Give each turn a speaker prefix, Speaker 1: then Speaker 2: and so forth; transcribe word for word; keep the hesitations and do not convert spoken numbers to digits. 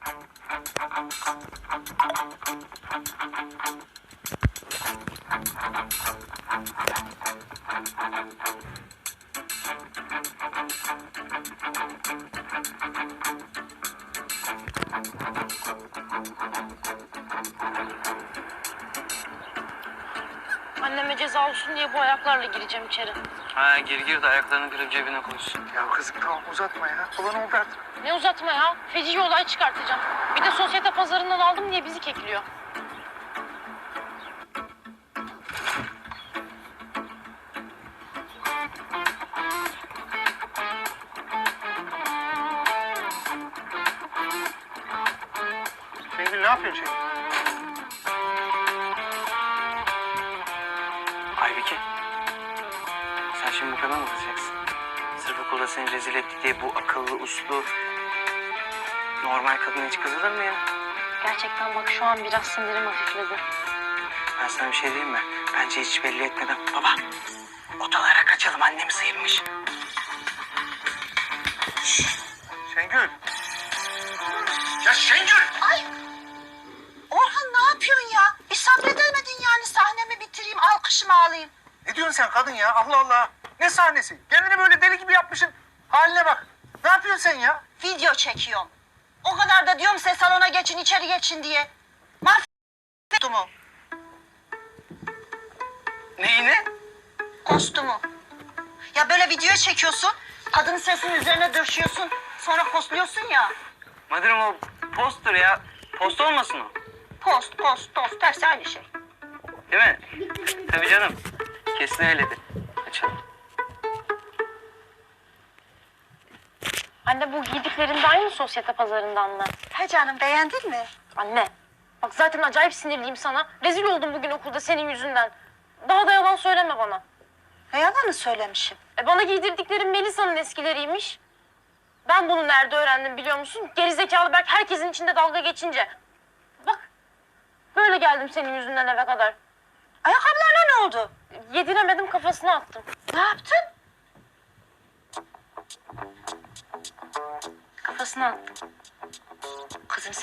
Speaker 1: Anneme ceza olsun diye bu ayaklarla gireceğim içeri.
Speaker 2: Ha gir gir de ayaklarını kırıp cebine koysun.
Speaker 3: Ya kızım tamam uzatma ya. Olan oldu artık.
Speaker 1: Ne uzatma ya. Feci olay çıkartacağım. Bir de sosyete pazarından aldım diye bizi kekliyor.
Speaker 3: Şengül ne yapıyorsun Şengül?
Speaker 2: Aybike. Sen şimdi bu kadar mı kızacaksın? Sırf okulda seni rezil etti diye bu akıllı, uslu, normal kadın hiç kızılır mı ya?
Speaker 1: Gerçekten bak şu an biraz sinirim hafifledi.
Speaker 2: Ben sana bir şey diyeyim mi? Bence hiç belli etmeden. Baba, odalara kaçalım. Annemi sıyırmış.
Speaker 3: Şengül. Ya Şengül!
Speaker 4: Ay! Orhan ne yapıyorsun ya? Bir sabredemedin yani sahnemi bitireyim, alkışımı alayım.
Speaker 3: Ne diyorsun sen kadın ya? Allah Allah. Ne sahnesi? Kendini böyle deli gibi yapmışsın. Haline bak. Ne yapıyorsun sen ya?
Speaker 4: Video çekiyorum. O kadar da diyorum size salona geçin, içeri geçin diye. Mahvettim o
Speaker 2: Neyine?
Speaker 4: kostümü. Ya böyle video çekiyorsun, kadının sesinin üzerine döşüyorsun, sonra postluyorsun ya.
Speaker 2: Madırım o posttur ya. Post olmasın o.
Speaker 4: Post, post, post, tersi aynı şey.
Speaker 2: Değil mi? Tabii canım. Kesin öyledir. Açalım.
Speaker 1: Anne bu giydiklerin de aynı sosyete pazarından mı?
Speaker 4: He canım, beğendin mi?
Speaker 1: Anne. Bak zaten acayip sinirliyim sana. Rezil oldum bugün okulda senin yüzünden. Daha da yalan söyleme bana.
Speaker 4: Ne yalanı söylemişim.
Speaker 1: E bana giydirdiklerin Melisa'nın eskileriymiş. Ben bunu nerede öğrendim biliyor musun? Gerizekalı Berk herkesin içinde dalga geçince. Bak böyle geldim senin yüzünden eve kadar.
Speaker 4: Ayakkabılarına ne oldu?
Speaker 1: Yediremedim kafasına attım.
Speaker 4: Ne yaptın?
Speaker 1: Kafasına attım.
Speaker 4: Kızım